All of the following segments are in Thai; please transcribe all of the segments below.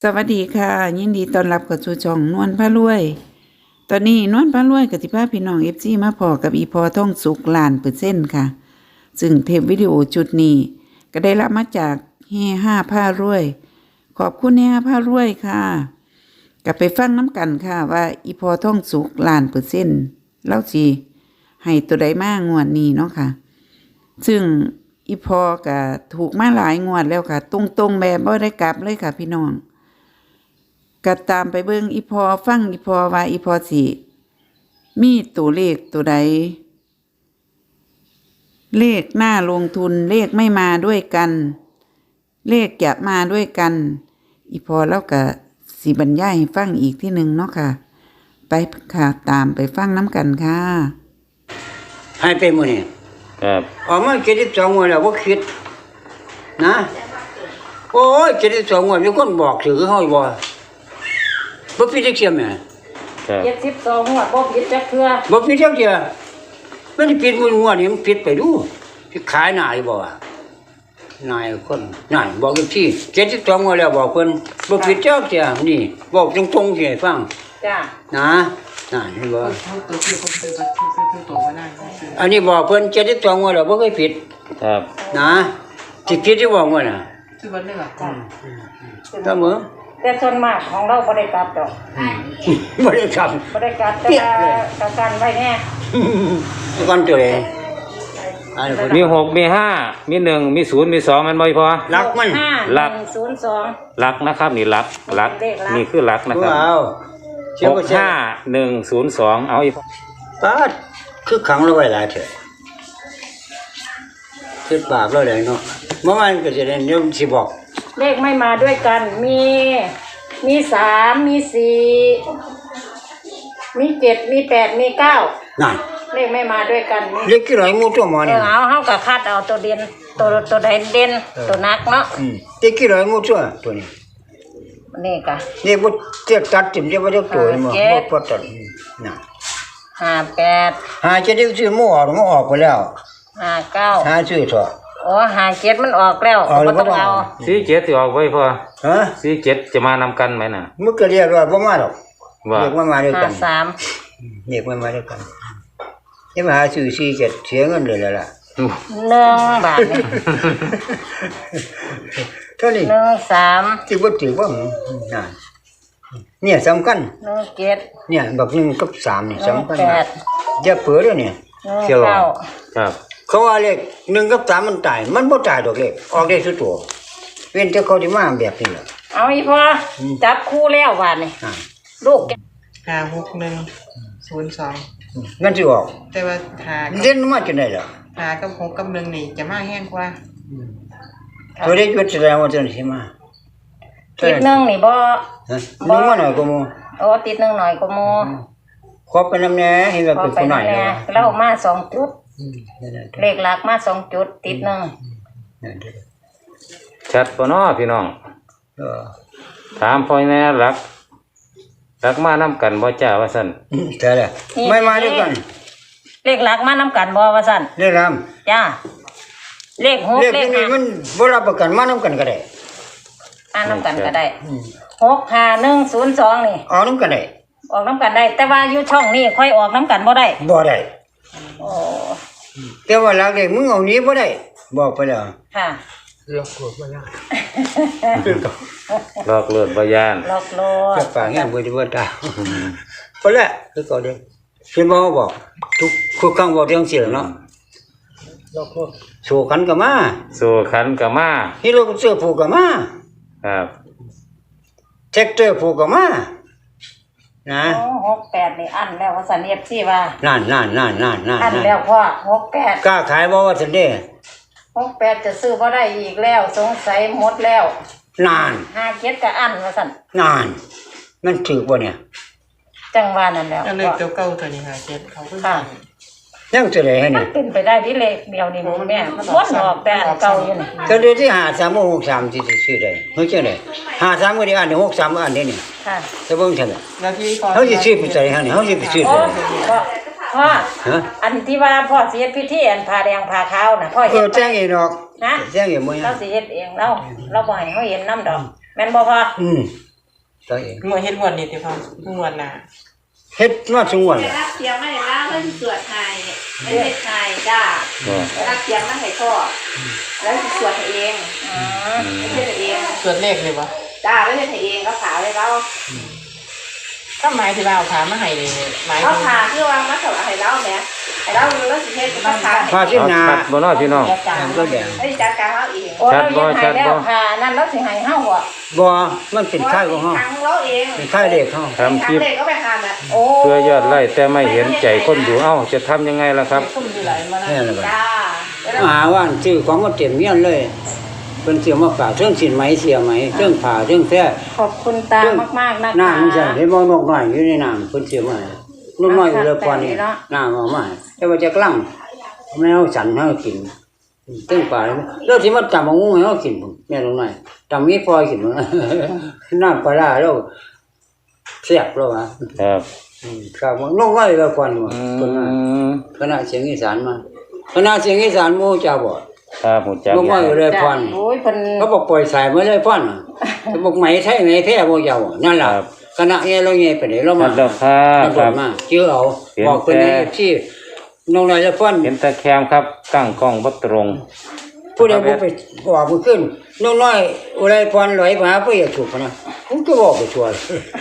สวัสดีค่ะยินดีต้อนรับเข้าสู่ช่องนวลพารวยตอนนี้นวลพารวยกับสิพาพี่น้อง FC มาพอกับอีพอท่องสุก1,000,000%ค่ะซึ่งเทปวิดีโอชุดนี้ก็ได้รับมาจากเฮ5พารวยขอบคุณเฮ5พารวยค่ะก็ไปฟังน้ำกันค่ะว่าอีพอท่องสุก1,000,000%แล้วสิให้ตัวใดมางวดนี้เนาะค่ะซึ่งอีพอก็ถูกมาหลายงวดแล้วค่ะตรงๆแบบบ่ได้กลับเลยค่ะพี่น้องก็ตามไปเบิ่งอีพอฟังอีพอว่าอีพอสิมีตัวเลขตัวใดเลขน่าลงทุนเลขไม่มาด้วยกันเลขจะมาด้วยกันอีพอแล้วก็สิบรรยายให้ฟังอีกที่หนึ่งเนาะค่ะไปค่ะตามไปฟังน้ำกันค่ะให้ไปมื้อนี้ครับออกมา72งวดแล้วบ่คิดนะโอ้ย72งวดมีคนบอกถือเฮาบ่ผิดจักเที่ยแม่ครับ 72หัวบ่ผิดจักเทื่อบ่ผิดจักเที่ยมันผิดงวดนี้มันผิดไปดูสิขายหน้าอยู่บ่วะนายคนนั่นบอกอีกที72งวดแล้วบอกเพิ่นบ่ผิดจักเที่ยนี่บอกตรงๆสิให้ฟังจ้านะนั่นเห็นบ่อันนี้บอกเพิ่น72งวดแล้วบ่เคยผิดครับนะสิผิดอยู่บ่งวดน่ะคือบ่เลือกจ้าตามมื้อแต่ส่วนมากของเราบ่ได้กลับดอกบ่ได้ทำบ่ได้กลับแต่ว่าการไว้แน่ก่อนตัวเองมี6มี5มี1มี0มี2มันบ่พอรักมันรัก 102 รักนะครับนี่รักนี่คือรักนะครับว้าว 65102เอาอีกปาดคือขังเราไว้หลายเถอะคิดบาปเราได้เนาะเมื่อวานก็สิได้เดี๋ยวสิบอกเลขไม่มาด้วยกันมี3มี4มี7มี8มี9 นั่นเลขไม่มาด้วยกันเลขกี่ร้อยหมู่ตัวหมอนี่เอาเฮาก็คัดเอาตัวเด่นตัวใดเด่นตัวนักเนาะเลขกี่ร้อยหมู่ตัวนี้นี่ก็นี่บ่เจ็ดตัดจิ้มได้บ่ได้ตัวนี่บ่พอตัดน่ะ 58 หาจะได้ซื้อหมู่ออกไปแล้ว 59 หาซื้อเถอะอ๋อ57มันออกแล้วบ่ต้องเอา 47สิออกไว้พอฮะ 47จะมานำกันไหมน่ะมึงก็เรียกว่าบ่มาดอกเรียกว่ามาด้วยกัน 53 เรียกว่ามาด้วยกันจะมาหาซื้อ47เสียเงินเลยล่ะ 1 บาทนี่เท่านี้ 13 สิบ่ถือบ่น่ะเนี่ยสำคัญ 17 เนี่ยบัก1กับ3นี่สำคัญอย่าเผลอเด้อเนี่ยเสียหรอครับเขาว่าเลข1กับ3มันตายมันบ่ตายดอกเลขออกได้สุดตัวเว้นแต่เขาสิมาแบบนี้ล่ะเอาอีพ่อจับคู่แล้วบาดนี่ลูก 56102 งั้นสิออกแต่ว่าเล่นมาจังได๋ล่ะ 5กับ6กับ1นี่จะมาแห้งกว่าตัวเลขจุดแสดงว่าจังสิมาติด1นี่บ่บ่มาหน่อยก็มูโอ้ติด1หน่อยก็มูขอไปนำแน่เห็นว่าเป็นคนหน่อยแล้วมา2จุดเลขหลักมา2จุดติด1 ชัดบ่เนาะพี่น้องถามพ่อแม่รักมานำกันบ่จ้าว่าซั่นใช่แล้วไม่มาด้วยกันเลขหลักมานำกันบ่ว่าซั่นเลขรำจ้าเลข6เลขนี้มันบ่รับประกันมานำกันก็ได้นำกันก็ได้65102นี่ออกนำกันได้ออกนำกันได้แต่ว่าอยู่ช่องนี้ค่อยออกนำกันบ่ได้โอ้แต่ว่าหลักเลขมึงเอานี้บ่ได้บอกไปแล้วค่ะหลอกลวงบ่ยานหลอกลวงบ่ยานหลอกลวงจะปากแง่บ่ได้บ่ตาพอแล้วคือก็เด้เพิ่นบ่บอกทุกครั้งบอกจังซี่ล่ะเนาะหลอกลวงสู้ขันก็มาฮีโร่เสื้อผูกก็มาครับแท็กเตอร์ผูกก็มานะ 68นี่อันแล้วว่าซั่น FC ว่านั่นอันแล้วพ่อ68 กล้าขายบ่ว่าซั่นเด้ 68จะซื้อบ่ได้อีกแล้วสงสัยหมดแล้วนาน 57ก็อันว่าซั่นนานมันถูกบ่เนี่ยจังว่านั่นแล้วเลขตัวเก่าตัวนี้57เขาก็ค่ะยังจะได้ให้นี่เป็นไปได้ที่เลขเดียวนี่แม่มันออกแต่เก่าอยู่นี่ก็เลยที่5363ที่ซื้อได้เฮ้ยจังได๋53ก็ได้อันนี้63อันนี้นี่ค่ะจะเบิ่งซั่นน่ะแล้วที่เฮาสิซื้อไปใส่ให้นี่เฮาสิไปซื้อพ่ออันที่ว่าพ่อสิเฮ็ดพิธีอันผ้าแดงผ้าขาวน่ะพ่อเฮ็ดแจ้งเองดอกนะแจ้งเองบ่เราสิเฮ็ดเองเราบ่ให้เฮาเห็นนำดอกแม่นบ่พ่อตัวเองงวดเฮ็ดงวดนี้ที่พ่องวดหน้าเฮ็ดมาสงวนได้แหละรับเสียงไม่ได้รับเพิ่นสวดให้ไม่ได้ไทยจ้าก็ได้รับเสียงมาให้พ่อแล้วสิสวดให้เองไม่ใช่ให้เองส่วนเลขเลยบ่จ้าไม่ใช่ให้เองก็ผ่าให้เราก็หมายที่ว่าเอาขามาให้นี่หมายเขาถึงผ่าคือว่ามาถวายให้เราแหมให้เราแล้วสิเฮ็ดก็ผ่าให้พาที่เอานาชัดบ่เนาะพี่น้องจ้าก็แดงไม่ได้จัดการเราเองโอ้เราเฮ็ดให้แล้วค่ะนั่นเราสิให้เฮาบ่บ่มันเป็นค่ายของเฮาทางเราเองเป็นค่ายเด็กเฮาทำคลิปเด็กก็ไปหาแบบโอ้เพื่อยอดไล่แต่ไม่เห็นใจคนดูเอ้าจะทำยังไงล่ะครับซุ่มอยู่หลายมาแล้วแม่นบ่จ้ามาหาว่านซื้อของมาเต็มเมียนเลยเพิ่นเสียมาฝากเครื่องสินไหมเสียไหมเครื่องผ้าเครื่องแท้ขอบคุณตามากๆนะคะน้ำมันจะเห็นบ่นกน้อยอยู่ในน้ำเพิ่นเสียมาให้นกน้อยอยู่เลยก่อนนี่น้ำเอามาให้แต่ว่าจะกลั่งแมวสันให้เรากินเครื่องผ้าแล้วสิมาตำเอางูให้เรากินพุ่นแม่นกน้อยตำมีปล่อยกินพุ่น น้ำปลาร้าแล้วแซ่บแล้วว่ะครับครับนกน้อยเลยก่อนว่าอืเพิ่นว่ามคณะเสียงอีสานมาคณะเสียงอีสานหมู่เจ้าบ่ครับผมจักนกน้อยอยู่เลยพรโอ้ยเพิ่นเขาบอกปล่อยสายมาเลยพ่อนเขาบอกไหมไทยไหมแท้บ่ยาวนั่นล่ะคณะเงี้ยเราเงี้ยไปไหนเราครัมาบแล้วครัเราบครับมาเชื่อเอาบอกคนนี้ที่น้องนายจะพ่อนเห็นตะแคมครับตั้งกล้องบ่ตรงผู้ใดบ่ไปบอกบ่ขึ้นน้องน้อยอุไรพรลอยมาเพื่อถูกนะผมก็บอกไปชัวร์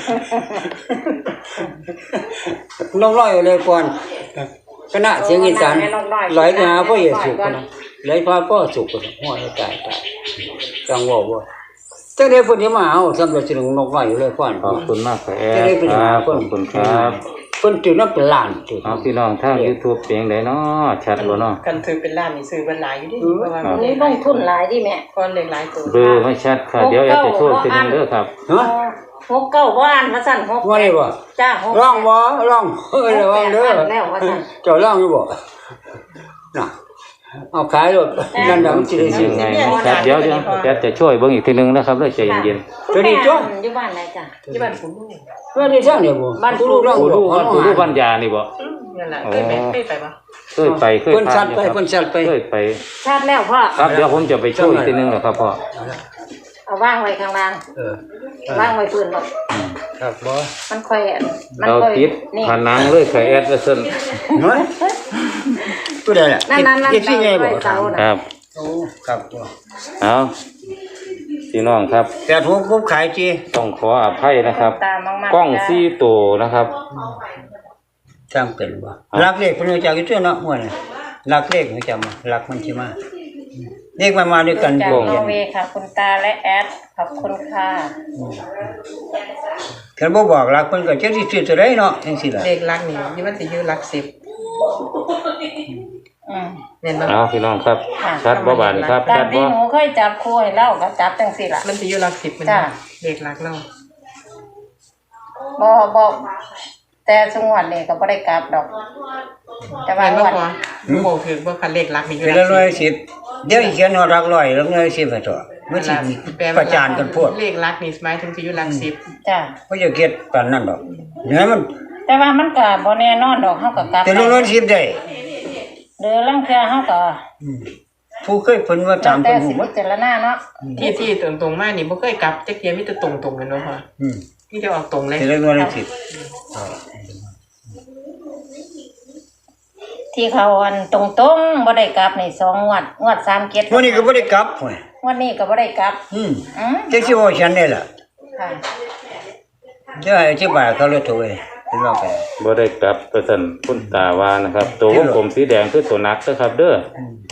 น้องน้อยอุไรพรคณะเสียงอีสานลอยมาเพื่อถูกนะลอยพาก็ถูกนะหัวตายจังว่าจังได้พุ่นมาเอาสำหรับสิงนกน้อยอุไรพรขอบคุณมากครับแอดครับขอบคุณครับเพิ่นถือน้ำเป็นล้านถือเอาพี่น้องทาง YouTube เพียงใดเนาะชัดบ่เนาะกันถือเป็นล้านนี่ซื้อเป็นหลายอยู่ดิเพราะว่าอันนี้ลงทุนหลายดิแม่ก้อนเลขหลายตัวเบอร์ไม่ชัดค่ะ เดี๋ยวแอดจะช่วยทีนึงเด้อครับฮะ 69บ่อ่านว่าซั่น6 ว่าได้บ่จ้าร้องบ่ร้องระวังเด้อแล้วว่าซั่นเจ้าร้องอยู่บ่น่ะเอาขายรถนั่นน่ะมันสิได้ซื้อยังไงครับเดี๋ยวแอดจะช่วยเบิ่งอีกทีนึงนะครับเลยใจเย็นตัวนี้จ้ะอยู่บ้านไหนจ้ะที่บ้านผมลูกว่าได้ซ่างเนี่ยบ่บ้านผู้ลูกร้องๆผู้อยู่รู้ว่าผู้รู้ปัญญานี่บ่นั่นแหละเคยไปปะเคยไปเคยเพิ่นผ่าสันตว์อยู่ไปครับเพิ่นสัตว์ไปเคยไปชาติแล้วพ่อครับเดี๋ยวผมจะไปช่วยอีกทีนึงแหละครับพ่อเอาวางไว้ข้างล่างเออวางไว้พื้นบ่ครับบ่มันค่อยมันเราค่อยติดนี่ผนังเลยค่ะแอดว่าซั่นเฮ้ยผู้ใดล่ะนั่นเฮ็ดสิไงบ่เสาน่ะครับโอ้ครับบ่เอาพี่น้องครับแต่ผมขายจีต้องขออภัยนะครับตามมากๆกล้องซี่ตัวนะครับสร้างเป็นบ่รักเลขเพิ่นรู้จักอยู่ตัวเนาะม่วนรักเลขรู้จักมารักมันสิมาเลขมันมาด้วยกันจากบ่นอร์เวย์ค่ะ คุณตาและแอดขอบคุณค่ะคันบ่บอกรักเพิ่นก็จักสิซื้อตัวใดเนาะจังซี่ล่ะเลขหลักนี่นี่มันสิอยู่หลัก10 อืมแม่นบ่เอาพี่น้องครับ ชัดบ่บาดนี่ครับตาชัมดที่บ่หนูเคยจับคู่ให้เล่าก็จับจังสี่ล่ะมันสิอยู่หลัก10มันจ้ะเลขหลักเนาะบ่แต่สงวนนี่ก็บ่ได้กลับดอก แต่ว่าแม่นงบ่วดพอบ่ถือบ่คันเลขหลักนี่อยู่เป็นหลัละกร้อย 10 สิบเดี๋ยวอีกเขียนว่ารักร้อยแล้วร้อยสิบให้ตัวมันสิประจานกันพวกเลขหลักนี่หมายถึงสิอยู่หลัก10 จ้ะบ่จะเก็ดปานนั้นดอกเนื้อมันแต่ว่ามันก็บ่แน่นอนดอกเฮาก็กลับแต่ร้อยสิบได้เด้อลังเทื่อเฮาก็ผู้เคยเพิ่นว่าตามแต่เพิ่นสิฮู้บ่พิจารณาเนาะที่ตรงๆมานี่บ่เคยกลับจักเที่ยมีแต่ตรงๆกันเนาะพ่ออืมที่จะออกตรงเลยแต่ร้อยสิบที่เขาอันตรงๆบ่ได้กลับนี่2งวด37 วันนี้ก็บ่ได้กลับห้วยงวดนี้ก็บ่ได้กลับอืมอืมจังสิว่าฉันได้ล่ะค่ะจะอธิบายเขาเลยตัวเองเป็นว่าไปบ่ได้กลับเปอร์เซ็นต์คุณตาว่านะครับ ตัววงกลมสีแดงคือตัวนักนะครับ เด้อ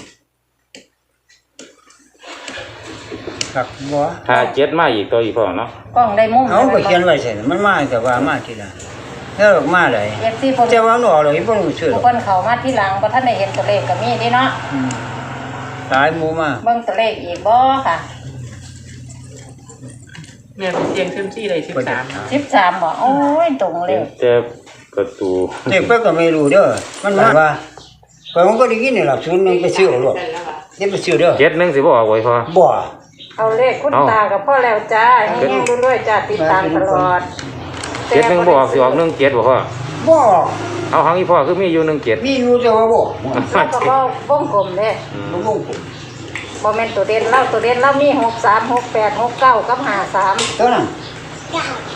ครับบ่ถ้า7มาอีกตัวอีกพ่อเนาะกล้องได้มุมเอาก็เขียนไว้ใส่มันมาแต่ว่ามาทีหลังแล้วออกมาได้ FC เพิ่นแต่ว่าหนอเลยบ่รู้ชื่อหรผู้อกคนเข้ามาที่หลังบ่ทันได้เห็นตัวเลขก็มีเด้เนาะอืมหลายหมู่มาเบิ่งตัวเลขอีกบ่ค่ะแม่เป็นเสียงซึมซี่ได้13 13บ่โอ้ยตรงเลเห็นขแต่ประตูเด็กเพิ่นก็ไม่รู้เด้อมันมาว่าผมก็ได้ยินนี่ล่ะศูนย์หนึงไปซื้อเอาโลดนี่ไปซื้อเด้อ 7-1สิบ่ออกไว้พ่อบ่เอาเลขคุณตากับพ่อแล้วจ้าแห้งๆด้วยๆจ้าติดตามตลอด 7-1บ่ออกสิออก17บ่พ่อบ่เอาหังอีพ่อคือมีอยู่17 มีอยู่แต่ว่าบ่แล้วก็บ่วงกลมเด้บ่บ่ผมบ่แม่นตัวเด่นเรามี63 68 69กับ53 เท่านั้น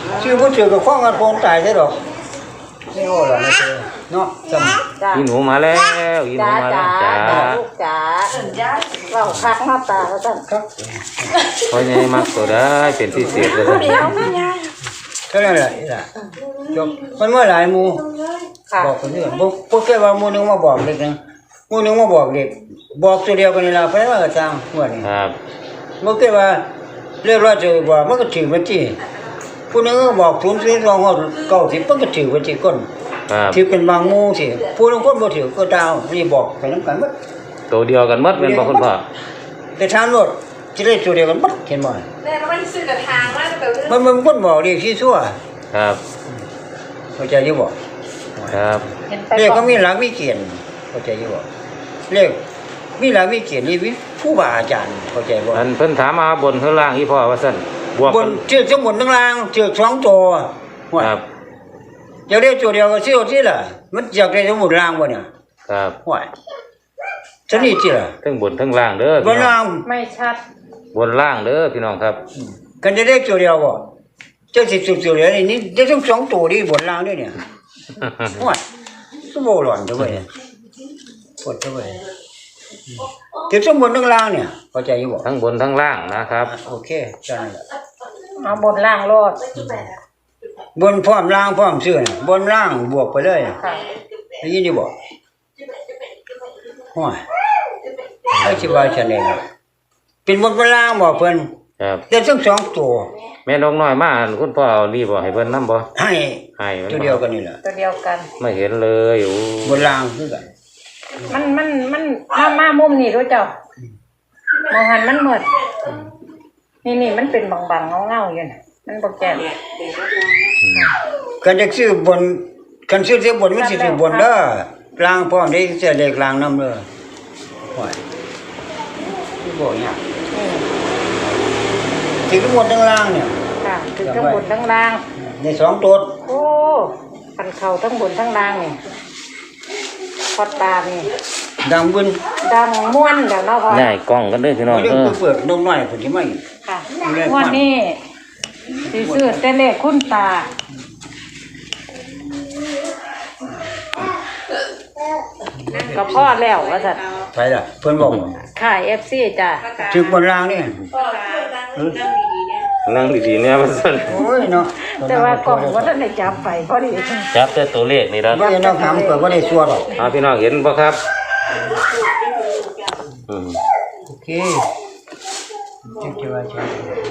ชื่อบ่ถือกับข้องกันโพงตายใช่ดอกไม่โอ้ล่ะไม่เจอเนาะจำจ้าอีหนูมาแล้วอีหนูจ้ามาแล้จ้าวจ้าลูกจ้าเว้าคักหน้าตาแล้วจ้ะครับพอใหญ่มักตัวได้เป็นพิเศษเลยเดี๋ยวแม่ยายเท่านั้นแหละนี่ล่ะจบมันเมื่อหลายหมู่ค่ะบอกคนอื่นบ่เคยว่าหมู่นึงมาบอกเด็กนึงหมู่นึงมาบอกเด็กบอกตัวเดียวกันนี่ล่ะไปว่าก็จังหัวนี่ครับบ่เคยว่าเรียกว่าจะบอกมันก็ถือบัญชีผู้นึงก็บอก002ฮอด90มันก็ถือบัญชีคนครับถือเป็นบางหมู่สิผู้นึงคนบ่ถือก็ดาวนี่บอกไปนำกันหมดตัวเดียวกันหมดเป็นบ่คุณพ่อแต่ถามรถสิได้ตัวเดียวกันหมดเห็นบ่แม่ก็ไม่ซื้อกับทางว่าแต่มันคนบอกเรียกที่ชั่วครับเข้าใจอยู่บ่ครับเห็นไปเรียกบอก็กมีหลักมีเกณฑ์เข้าใจอยู่บ่เรียกมีหลักมีเกณฑ์นี่วิผู้บาอาจารย์เข้าใจบ่อันเพิ่นถามมาบนข้างล่างอีพ่อว่าซั่นบวกบกัน นเชือกทั้งบนทั้งล่างเชือก2ตัวว่าครับอยากได้ตัวเดียวก็เชือกที่ล่ะมันอยากได้ทั้งหมดล่างบ่เนี่ยครับว่าชนิดที่ล่ะทั้งบนทั้งล่างเด้อบ พี่นน้อล่าง งไม่ชัดบนล่างเด้อพี่น้องครับกันจะได้ตัวเดียวบ่เจ้าสิตัวเดียวนี่ได้ทั้ง2ตัวนี่บนล่างด้วยเนี่ยว่าสมบูรณ์เด้อเว้ยปวดเด้อเว้ยเก็บทั้งบนทั้งล่างเนี่ยเข้าใจอยู่บ่ทั้งบนทั้งล่างนะครับโอเคใช่นแหละเอาบนล่างโลดบนพร้อมล่างพร้อมเสื้อน่ะบนล่างบวกไปเลยค่ะได้ยินดีบ่โอ้ยไอ้สิว่าฉันเองอะเป็นบนเป็นล่างบ่เพิ่นครับแต่ทั้งสองตัวแม่นกน้อยมาคุณพ่อเอานี่บ่ให้เพิ่นนำบ่ให้ให้มันตัวเดียวกันนี่แหละตัวเดียวกันไม่เห็นเลยโอ้บนล่างคือกันมันมามุมนี่รู้เจ้ามองหันมันเหมือนนี่มันเป็นบางๆเงาๆอยู่น่ะมันบ่แก่นกันจะซื้อบนกันซื้อเสียบนมันสิซื้อบนเด้อล่างพร้อมได้เสียเลขล่างนำเด้อโอ้ยสิบ่ยากสิทั้งบนทั้งล่างเนี่ยค่ะคือทั้งบนทั้งล่างในสองตัวโอ้คันเข่าทั้งบนทั้งล่างนี่พอตานี่ดังบึนดังม่วนเดี๋ยวเนาะพอง่ายกล้องกันเด้อพี่น้องเรื่อเอง อเปิดนมน้อยเพิ่นสิมาอีกค่ะม่วนนี่สิซื้อแต่เลขคุณตาก็พอแล้วว่าซั่นใช่ล่ะเพิ่นบอกขาย FC จ้ะถึงบนล่างนี่นั่งดีๆเนี่ยว่าซั่นโอ้ยเนาะแต่ว่ากล่องบ่ทันได้จับไปพอดีจับแต่ตัวเลขนี่ล่ะบ่ได้นอกถามก็บ่ได้ชัวร์หรอกพี่น้องเห็นบ่ครับอืมโอเคจังจะว่าจัง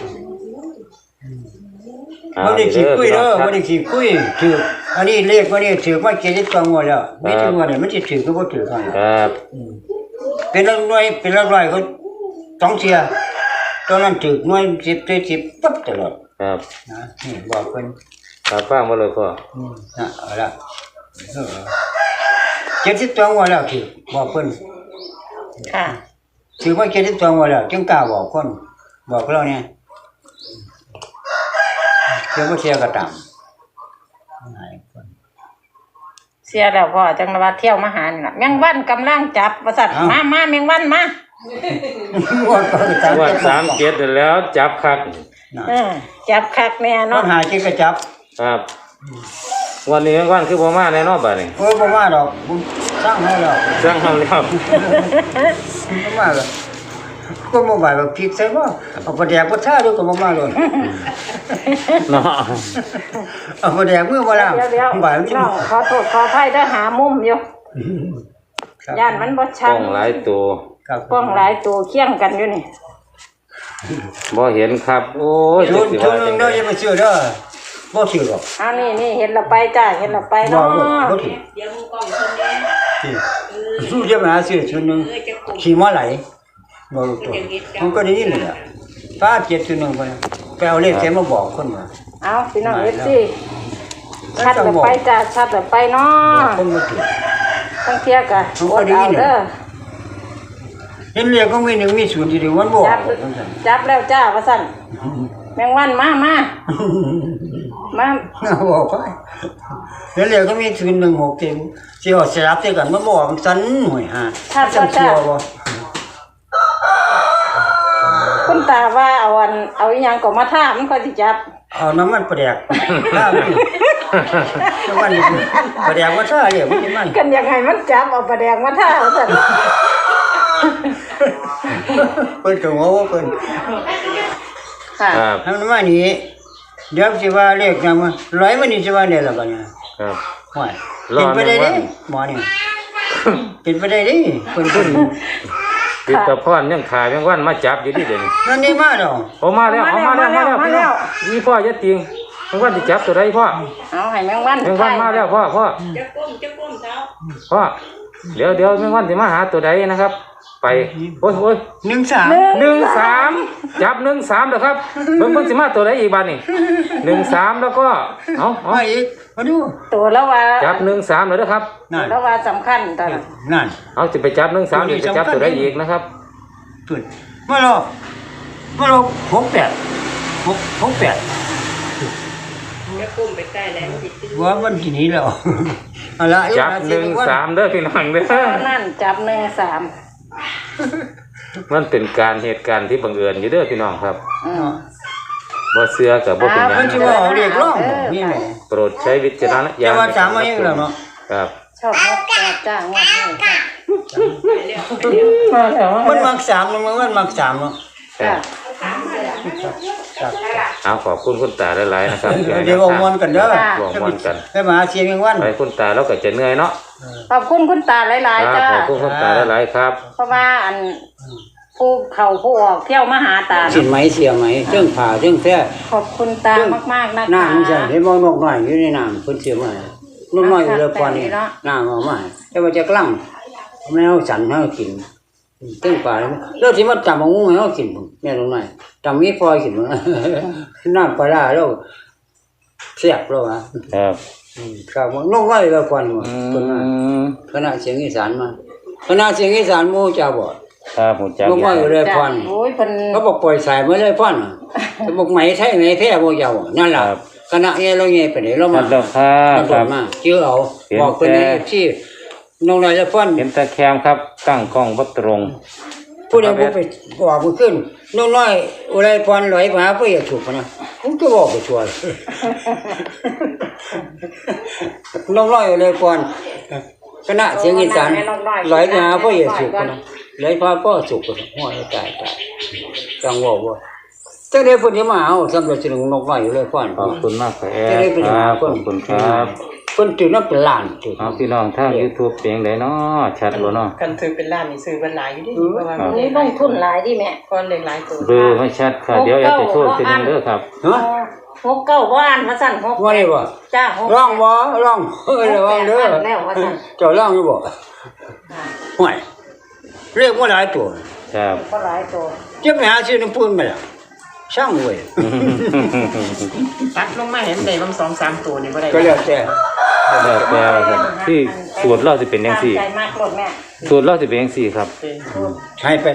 บ่ได้ขี้คุยเด้อบ่ได้ขี้คุยถืออันนี้เลขบ่ได้ถือมา70ตัวงวดแล้วมีถึงว่าเนี่ยมันสิถือก็บ่ถือกันครับเป็นหลักหน่วยเป็นหลักร้อยเขาต้องเสียตอนนั้นถือหน่วย10ได้10ปั๊บตลอดครับนะนี่บอกเพิ่นครับฟังบ่เลยพ่อนะเอาละ70ตัวงวดแล้วถือบอกเพิ่นค่ะถือว่า72วันแล้วจึงกล้าบอกคนบอกเราเนี่ยเชื่อบ่เชื่อก็ตามเสียแล้วพ่อจังว่าเที่ยวมาหานี่ล่ะแมงวันกำลังจับว่าซั่นมาแมงวันมาว่าก็ตามว่า37แล้วจับคักจับคักแน่นอเนาะนหาจิก็จับครับ วันนี้วันคือบ่มาแน่นอนบัดนี้โอ้ยบ่มาดอกผมสร้างให้แล้วสั่งเฮาแล้วบ่มาแล้วก็บ่มาแบบผิดใช่บ่เอาประแดกบ่ท่าดูก็บ่มาเลยเนาะเอาประแดกมือบ่ล้างเดี๋ยวบ่ายมันสิน้องขอโทษขออภัยเด้อหามุมอยู่ย่านมันบ่กชัล้ดองหลายตัวครับกล้องหลายตัวเคียงกันอยู่นี่บ่เห็นครับ โอ้ยชุนสิชุว่านนึจังงเด้อได๋อย่าไปซื้อเด้อบ่ซื้อหรอกเอานี่เห็นเราไปจ้าเห็นเราไปบ่เนาะบ่ถือสู้จะมาหาซื้อชุนนึงขี่มาไหลบ่รู้ตัวมันก็ได้ยินเลยล่ะฟ้า7ชุนนึงไปเอาเลขแกมาบอกคนว่าเอาพี่น้องเอฟซีชัดเราไปจ้าชัดเราไปเนาะคนมาถือต้องเที่ยกะมันอก็ดดีเอานี่เด้อเห็นเรียกก็มีหนึ่งมีศูนย์ทีเดียววันบอกจับแล้วจ้าว่าสั่นแมงวันมามาบอกไปเห็นเรียกก็มีศูนย์16เต็มสิเอาสลับเท่กันมันบอกมันสั่นหน่วยฮะจังชัวบ่คุณตาว่าเอาอีหยังก็มาท่ามันก็สิจับเอาน้ำมันประแดกลาบนี่น้ำมันประแดกว่าท่าเรียกมันกันยังไงมันจับเอาปลาแดงมาท่าเอาสั่นเพิ่นก็ว่าเพิ่นค่ะครับทำมานี่เดี๋ยวสิว่าเลขนำร้อยมันนี่สิว่าได้ล่ะบัดนี้ครับห่วยเป็นไปได้เด้หมอนี่เป็นไปได้เด้เพิ่นติดกับพ่อนยังขายแมงวันมาจับอยู่ที่เดี๋ยวนี้นั่นนี่มาดอกเอามาแล้วพี่น้องนี่พ่อจะติงแมงวันที่จับตัวใดพ่อเอาให้แมงวันแมงวันมาแล้วพ่อพ่อเดี๋ยวแมงวันที่มาหาตัวใดนะครับ ไปโอ้ย 13 13จับ13แล้วครับเบิ่งสิมาตัวใดอีกบาดนี่13แล้วก็เอามาอีกมาดูตัวแล้วว่าจับ13แล้วนะครับนั่นแล้วว่าสำคัญตอนนั้นนั่นเอาจะไปจับ13เดี๋ยวจะจับตัวใดอีกนะครับขึ้นมาลอ68ว่ามันที่นี้แล้วเอาละจับ13เด้อพี่น้องเด้อตอนนั่นจับ13 มันเป็นการเหตุการณ์ที่บังเอิญอยู่เด้อพี่น้องครับบ่เชื่อกับบ่เป็นหยัมันงสิว่าเอาเรียกร้องนี่แหละโปรดใช้วิจารณญาจะณว่าถามมาอย่างแล้วเนาะครับชอบนกแก้วจ้างงวดนี้ค่ะมันมัก3มันมัก3เนาะค่ะเอาขอบคุณคุณตาหลายๆนะครับเดี๋ยวเอาม่วนกันเด้อบอกม่วนกันไปมาหาเสียงแมงวันไปคุณตาแล้วก็จะเหนื่อยเนาะขอบคุณคุณตาหลายคๆรับจ้าขอบคุณคุณตาหลายๆครับเพราะว่าอันผู้เข้าผู้ออกเที่ยวมาหาตาสินไหมเสียไหมเรื่องผ่าเรื่องแท้ขอบคุณตามากๆนะคะน้ำมันใช่เห็นบ่นกน้อยอยู่ในน้ำเพิ่นเสียมานกน้อยอยู่เลยก่อนนี่น้ำเอามาแต่ว่าจะกลั่งแมวสันให้กินตึ้งป่าแล้วสิมาจำเอางูให้เฮากินพุ่นแม่นกน้อยจำมีปล่อยกินบ่น้ำปลาร้าแล้วเสียบแล้วอ่ะครับครับนกน้อยเลยก่อนว่าอืเพิ่นว่ามคณะเสียงอีสานมาคณะเสียงอีสานหมู่เจ้าบ่ครับผมจับนกน้อยเลยจ้ะก่อนโอ้ยเพิ่นเขาบอกปล่อยสายมาเลยพ่อนเขาบอกไหมไทยไหมแพ้บ่ยาวนั่นล่ะคณะเงี้ยเราเงี้ยไปไหนเราครัมาบแล้วครัเราบโดครัดบมาเชื่อเอาเห็นบอกคนนี้แต่ที่น้องนายจะพ่อนเห็นตะแคมครับตั้งกล้องบ่ตรงผู้ใดบ่ไปบอกมันขึ้นน้องน้อยอะไรพรลอยมาเพื่อจะถูกนะผมก็บอกไปชัวร์น้องน้อยอะไรพรคณะเสียงอีสานลอยมาเพื่อจะถูกนะลอยพาพ่อสุกนะหัวตายจังว่าบ่จังได๋เพิ่นสิมาเอาสำหรับสินกน้อยอยู่เลยพรขอบคุณมากครับแอดครับขอบคุณครับเพิ่นถือน้ำเป็นล้านถือเอาพี่น้องทาง YouTube เป็นจังไดเนาะชัดบ่เนาะกันถือเป็นล้านนี่ซื้อเป็นหลายอยู่ดิเพราะว่าอันนี้ลงทุนหลายดิแม่ก้อนเล็กหลายตัวเบอร์ไม่ชัดค่ะเดี๋ยวแอดจะโทษทีนึงเด้อครับฮะ 69บ่อ่านว่าซั่น6 ว่าได้บ่จ้าร้องบ่ร้องระวังเด้อแล้วว่าซั่นเจ้าร้องอยู่บ่ห่วยเรียกว่าหลายตัวครับก็หลายตัวจะไปหาซื้อน้ำปูนมาล่ะช่างเว้ยตัดลงมาเห็นได้บาง2-3ตัวนี่บ่ได้ก็แล้วแต่แล้วแต่ครับที่สูตรเราสิเป็นจังซี่ตามใจมากรถแม่สูตรเราสิเป็นจังซี่ครับเป็นให้ไป